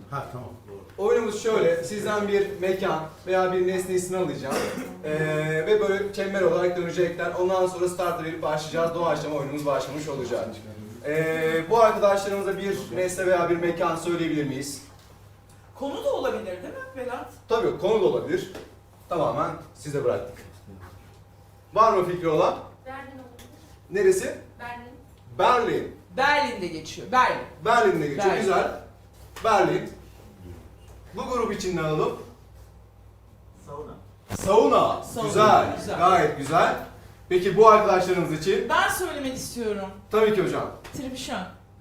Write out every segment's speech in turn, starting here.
Ha tamam. Doğru. Oyunumuz şöyle, sizden bir mekan veya bir nesne ismini alacağım ve böyle çember olarak dönecekler. Ondan sonra start'a verip başlayacağız. Doğaçlama oyunumuz başlamış olacak. Bu arkadaşlarımıza bir nesne veya bir mekan söyleyebilir miyiz? Konu da olabilir değil mi Berat? Tabii konu da olabilir. Tamamen size bıraktık. Var mı fikri olan? Berlin olabilir. Neresi? Berlin. Berlin. Berlin'de geçiyor. Berlin. Berlin'de geçiyor. Berlin. Güzel. Berlin. Bu grup için ne alalım? Sauna. Sauna. Sauna, Güzel. güzel. Gayet güzel. Peki bu arkadaşlarımız için? Ben söylemek istiyorum. Tabii ki hocam. Tribüşon.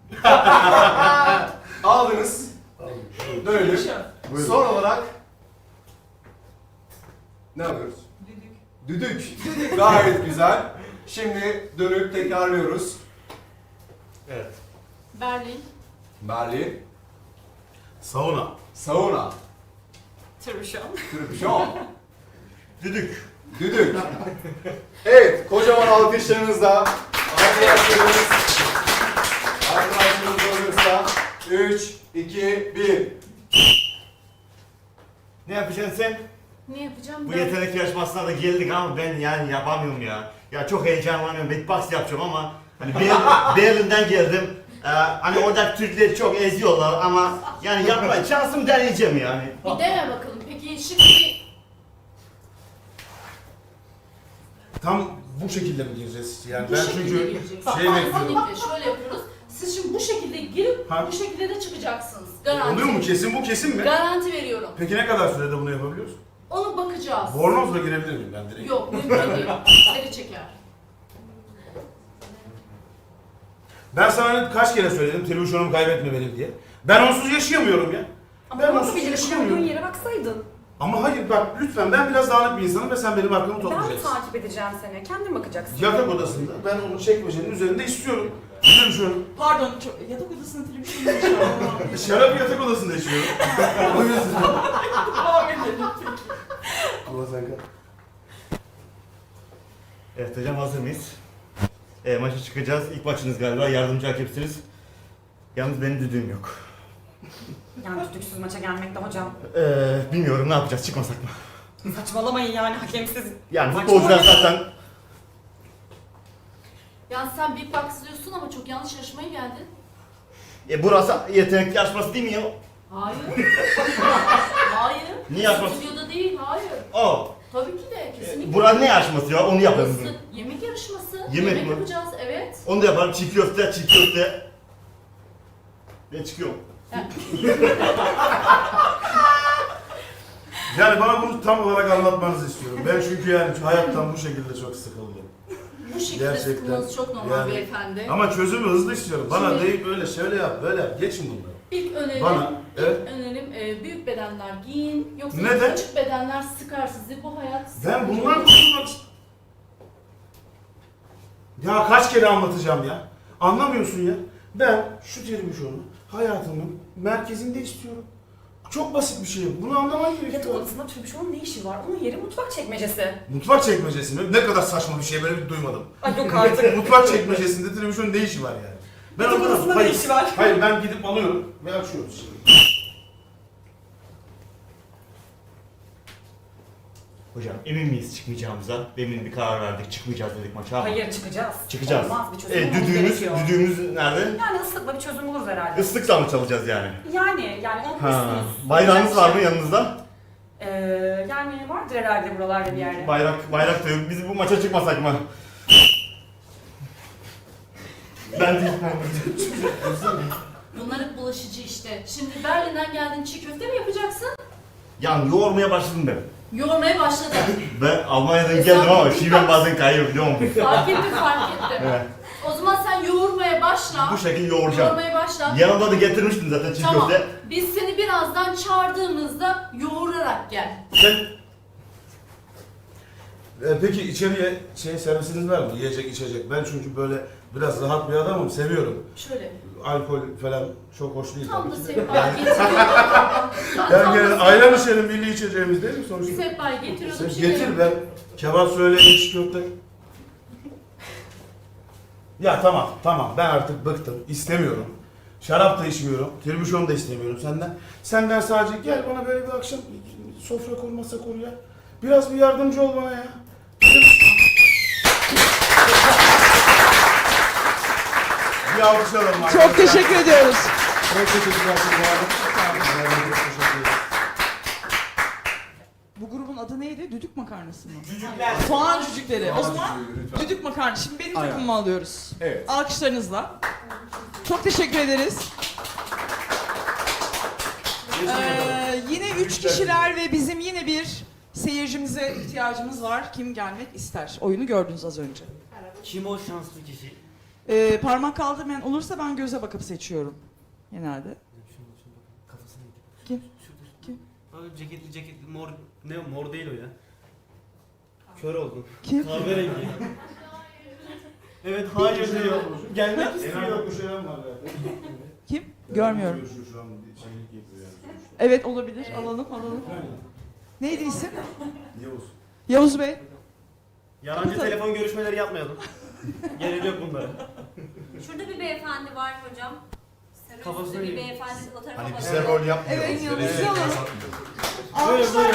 Aldınız. Dönelim. Tribüşon. Son olarak ne yapıyoruz? Düdük. Düdük. Gayet güzel. Şimdi dönüp tekrarlıyoruz. Evet. Berlin. Berlin. Sauna. Sauna. Tribüşon. Tribüşon. Düdük. Düdük. Evet, kocaman alkışlarınızla arkadaşlarımız olursa 3, 2, 1. Ne yapacaksın sen? Ne yapacağım Bu ben? yetenek yarışmasına da geldik ama ben yani yapamıyorum ya. Ya çok heyecanlanıyorum. Beatbox yapacağım ama hani Berlin'den geldim. Hani oradaki Türkleri çok eziyorlar ama yani yapma şansımı deneyeceğim yani. Bir dene bakalım. Peki şimdi Tam bu şekilde mi gireceğiz? Yani bu ben şekilde çünkü gireceksin. şey bekliyorum. Kesinlikle şöyle yapıyoruz. Siz şimdi bu şekilde girip Ha. bu şekilde de çıkacaksınız. Garanti. Oluyor mu? Kesin bu kesin mi? Garanti veriyorum. Peki ne kadar sürede bunu yapabiliyoruz? Onu bakacağız. Bornozla girebilir miyim ben direkt? Yok, mümkün değil. Seni çeker. Ben sana kaç kere söyledim tribüşonumu kaybetme benim diye. Ben onsuz yaşayamıyorum ya. Ama Ben nasıl onsuz bilirsin? yaşayamıyorum. Koyduğun yere baksaydın. Ama hayır bak lütfen ben biraz dağınık bir insanım ve sen benim hakkımı Ben toplayacaksın. takip edeceğim seni. Kendin bakacaksın. Yatak odasında ben onu çekmecenin üzerinde istiyorum. Tribüşonu. Pardon, yatak odasında tribüşon yaşıyorum. Şarap yatak odasında yaşıyorum. O yüzden. Devam edelim. Ama sen kal. Evet hocam hazır mıyız? Maça çıkacağız. İlk maçınız galiba. Yardımcı hakemsiniz. Yalnız benim düdüğüm yok. Yani düdüksüz maça gelmekte hocam. Bilmiyorum ne yapacağız çıkmasak mı? Saçmalamayın yani hakemsiz. Yani Maç futbolcular mı? zaten Yani sen beatbox diyorsun ama çok yanlış yarışmaya geldin. burası yetenek yarışması değil mi ya? Hayır. Hayır. Niye yapmasın? Stüdyoda değil, hayır. Aa, Tabii ki de, kesinlikle. burası ne yarışması ya? Onu yapalım. Burası yemek yarışması. Yemek mi? Yapacağız, evet. Onu da yapalım. Çiğ köfte, çiğ köfte. Ben çıkıyorum. Yani bana bunu tam olarak anlatmanızı istiyorum. Ben çünkü yani hayattan bu şekilde çok sıkıldım. Bu şekilde Gerçekten. sıkılmanız çok normal Yani- beyefendi. Ama çözümü hızlı istiyorum. Bana Şimdi- deyip öyle şöyle yap, böyle yap. Geçin bunları. İlk önerim, Bana, evet. önerim büyük bedenler giyin. Yoksa Neden? küçük bedenler sıkar sizi. Bu hayat Ben sıkıcı bundan olur. kurtulmak Ya kaç kere anlatacağım ya? Anlamıyorsun ya. Ben şu tribüşonu hayatımın merkezinde istiyorum. Çok basit bir şey. Bunu anlaman Yatak gerekiyor. odasında tribüşonun ne işi var? Onun yeri mutfak çekmecesi. Mutfak çekmecesi mi? Ne kadar saçma bir şey, böyle bir duymadım. Ay yok artık. Mutfak çekmecesinde tribüşonun ne işi var yani? Yatak anlamadım. odasında ne işi var? Hayır ben gidip alıyorum ve açıyoruz şimdi. Hocam emin miyiz çıkmayacağımıza? Demin bir karar verdik. Çıkmayacağız dedik maça ama. Hayır çıkacağız. Çıkacağız. Olmaz bir çözüm bulmamız Düdüğümüz, gerekiyor. düdüğümüz nerede? Yani ıslıkla bir çözüm buluruz herhalde. Islıkla mı çalacağız yani? Yani Ha. unutmuşsunuz. Bayrağınız var mı yanınızda? Yani vardır herhalde buralarda bir yerde. Bayrak da yok. Biz bu maça çıkmasak mı? Ben değil. Bunlar hep bulaşıcı işte. Şimdi Berlin'den geldin, çiğ köfte mi yapacaksın? Yani yoğurmaya başladım ben. Yoğurmaya başladın. Ben Almanya'dan geldim ama şivem bazen kayıyor biliyor musun? Fark ettim, fark ettim. Evet. O zaman sen yoğurmaya başla. Bu şekilde yoğuracağım. Yoğurmaya başla. Yanımda da getirmiştim zaten çiğ Tamam. köfte. Biz seni birazdan çağırdığımızda yoğurarak gel. Sen Peki içeriye servisiniz var mı? Yiyecek, içecek. Ben çünkü böyle biraz rahat bir adamım, seviyorum. Şöyle. Alkol falan çok hoş değil Tam da tabii ki de. sehpayı getiriyorum. Yani ayran içelim, milli içeceğimiz değil mi sonuçta? Sehpayı getiriyordum. Sen getir ben kebap söyle, iç köfte. Ya tamam ben artık bıktım, istemiyorum. Şarap da içmiyorum. Tribüşon da istemiyorum senden. Senden sadece gel bana böyle bir akşam sofra kur, masa kur ya. Biraz bir yardımcı ol bana ya. Bir alkışlayalım arkadaşlar. Çok teşekkür ediyoruz. Çok teşekkürler. Bu grubun adı neydi? Düdük makarnası mı? Cücükler. Soğan cücükleri. O zaman Lütfen. düdük makarna. Şimdi benim Aynen. takımımı alıyoruz. Evet. Alkışlarınızla. Çok teşekkür ederiz. Yine 3 kişiler ve bizim yine bir seyircimize ihtiyacımız var. Kim gelmek ister? Oyunu gördünüz az önce. Kim o şanslı kişi? Parmak kaldırmayan olursa ben göze bakıp seçiyorum. Genelde. Kafasına Kim? Kim? Abi ceketli mor ne mor değil o ya. Kör oldun. Kim? Kahverengi. Evet hayır diyor. Gelmek En istiyor. az bir şeyler var ya. Kim? Görmüyorum. Şu an bir şeylik yapıyor yani. Evet olabilir. Alalım. Neydi isim? Yavuz. Yavuz Bey. Yalancı Kapatalım. telefon görüşmeleri yapmayalım. Gerek yok bunlara. Şurada bir beyefendi var hocam. Sarı Kafasına üstlü bir yiyor. beyefendi o tarafa Hani bakıyor. bize rol yapmıyor. Evet, Bize Yavuz'u de- alalım. Buyurun, Alkışlar.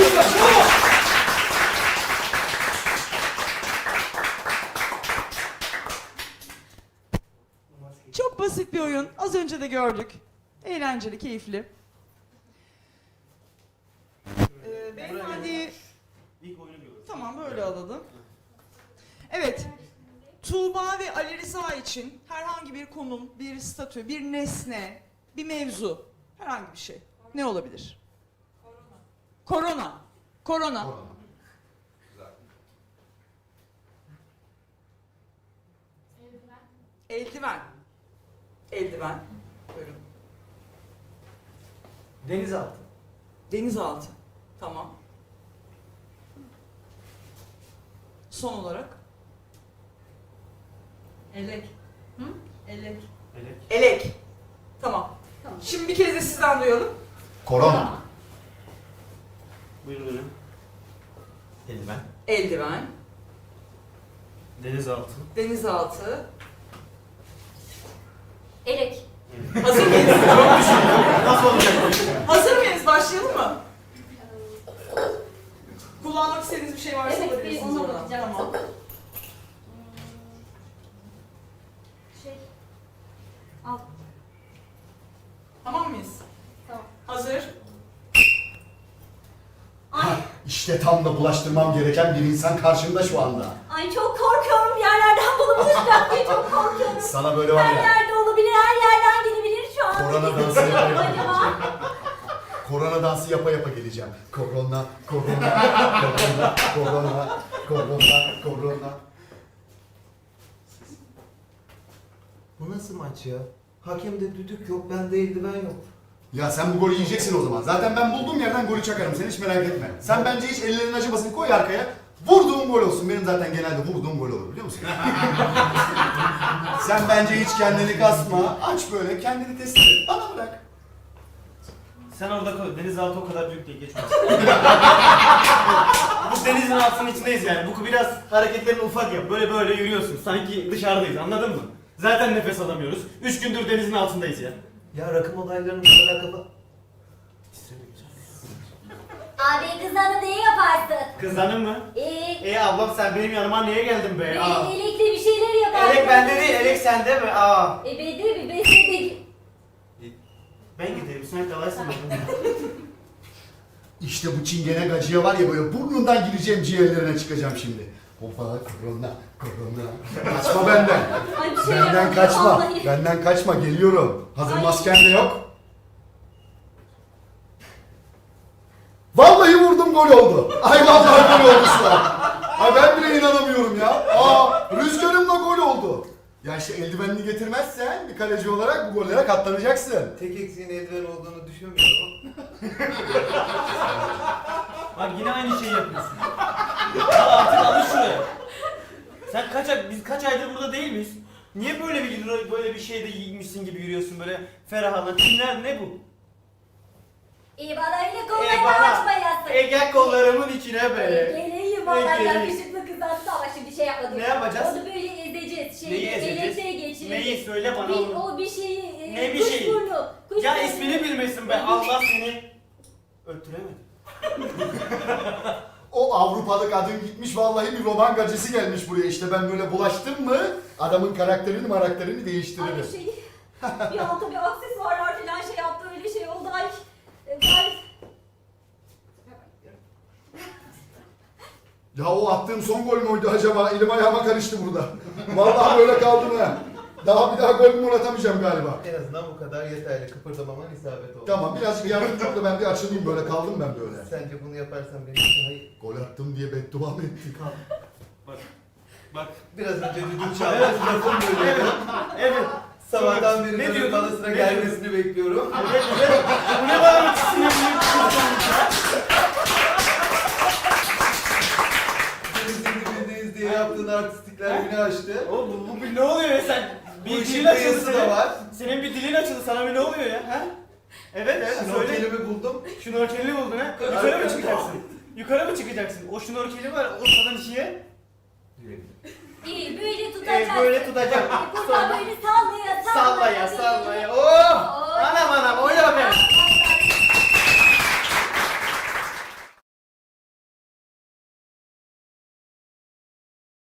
Çok basit bir oyun. Az önce de gördük. Eğlenceli, keyifli. Beyefendi, İlk oyunu görüyoruz. tamam böyle alalım. Evet. Tuğba ve Ali Rıza için herhangi bir konum, bir statü, bir nesne, bir mevzu, herhangi bir şey. Ne olabilir? Korona. Korona. Eldiven. Eldiven. Buyurun. Denizaltı. Denizaltı. Tamam. Son olarak. Elek. Hı? Elek. Elek. Elek. Tamam. Tamam. Şimdi bir kez de sizden duyalım. Korona. Buyurun hocam. Eldiven. Eldiven. Denizaltı. Denizaltı. Elek. Hazır mıyız? Nasıl olacak bu iş? Hazır mıyız? Başlayalım mı? Kullanmak istediğiniz bir şey varsa Evet, bir alabilirsiniz ona oradan. bakacağım. Tamam. Şey. Al. Tamam mıyız? Tamam. Hazır. Ay, İşte tam da bulaştırmam gereken bir insan karşımda şu anda. ay çok korkuyorum yerlerden bunu bulacak diye çok korkuyorum. Sana böyle var Her ya, yerde olabilir, her yerden gelebilir şu an. korona dansı yapa yapa. Acaba? Korona dansı yapa yapa geleceğim. Korona, korona, korona, korona, korona, korona. Bu nasıl maç ya? Hakemde düdük yok, bende eldiven yok. Ya sen bu golü yiyeceksin o zaman. Zaten ben bulduğum yerden golü çakarım. Sen hiç merak etme. Sen bence hiç ellerinin acımasını koy arkaya. Vurduğum gol olsun. Benim zaten genelde vurduğum gol olur biliyor musun? Sen bence hiç kendini kasma. Aç böyle kendini test et. Bana bırak. Sen orada koy. Denizaltı o kadar büyük değil. Geç Bu denizin altının içindeyiz yani. Bu biraz hareketlerini ufak yap. Böyle yürüyorsun. Sanki dışarıdayız. Anladın mı? Zaten nefes alamıyoruz. 3 gündür denizin altındayız ya. Ya rakım olaylarını bu kadar kafa... Abi kızlarına ne yaparsın? Kızlanın mı? Ablam sen benim yanıma niye geldin be? Aa. Elekli bir şeyler yaparsın. Elek bende değil, elek sende mi? Aa. Bende mi? Ben sende. Ben gideyim, sen kalaysın bakalım. İşte bu çingene gacıya var ya böyle burnundan gireceğim ciğerlerine çıkacağım şimdi. Hoppa korona, korona. Kaçma benden. Ay bir şey Benden yapamıyorum, kaçma. vallahi. Benden kaçma geliyorum. Hazır Ay. masken de yok. Vallahi vurdum gol oldu. Ay vallahi gol oldu şu an. Ay ben bile inanamıyorum ya. Aa rüzgarımla gol oldu. Ya işte eldivenini getirmezsen bir kaleci olarak bu gollere katlanacaksın. Tek eksiğin eldiven olduğunu düşünmüyorum. Bak yine aynı şeyi yapıyorsun. Ya artık alış şuraya. Sen biz kaç aydır burada değil miyiz? Niye böyle bir şeyde giymişsin gibi yürüyorsun böyle ferahlanan? Kimler ne bu? İyi bana öyle kollarını açmayasın. Gel kollarımın içine be. Geleyim valla Geleyim. yakışıklı kızlarsın ama şimdi şey yapmadım. Ne yapacağız? Onu böyle ezeceğiz. Neyi ezeceğiz? Elektriğe geçireceğiz. Neyi söyle bana onu. O bir şeyi Ne bir kuş şeyi? burnu. Kuş Ya burnu. ismini bilmesin be. Allah seni öttüremedi. O Avrupalı kadın gitmiş vallahi bir roman gacısı gelmiş buraya. İşte ben böyle bulaştım mı adamın karakterini Ay değiştiririm. bir şey. Bir an tabii aksesuarlar falan şey yaptı öyle şey oldu. Ay. Ay. Ya o attığım son gol müydü acaba? Elim ayağıma karıştı burada. Vallahi böyle kaldım ha. Daha bir daha gol mü atamayacağım galiba. En azından bu kadar yeterli. Kıpırdamaman isabet oldu. Tamam birazcık yardımcı ol da ben bir açılayım böyle kaldım ben böyle. Sence bunu yaparsan benim için hayır. Gol attım diye beddua mı ettik? Bak. Biraz önce düdük çaldı. Lafım böyle. Evet. Sabahtan beri Ne böyle diyordun? bana sıra Ne gelmesini bekliyorum. Evet. Bu ne bana bir sinirli Denizin dibindeyiz diye yaptığın artistikler beni aştı. Oğlum bu bir ne oluyor ya sen? Bu Bir işin dilin açıldı kıyısı da senin. var. Senin bir dilin açıldı. Sana bir ne oluyor ya? Ha? Evet söyle. Şnorkelimi buldum. Şnorkelini buldun ha? Yukarı mı çıkacaksın? Yukarı mı çıkacaksın? O şnorkeli var ortadan ikiye. İyi böyle tutacaksın. Böyle tutacak. Buradan böyle sallaya Sallaya sallaya. sallaya. Oh! Anam anam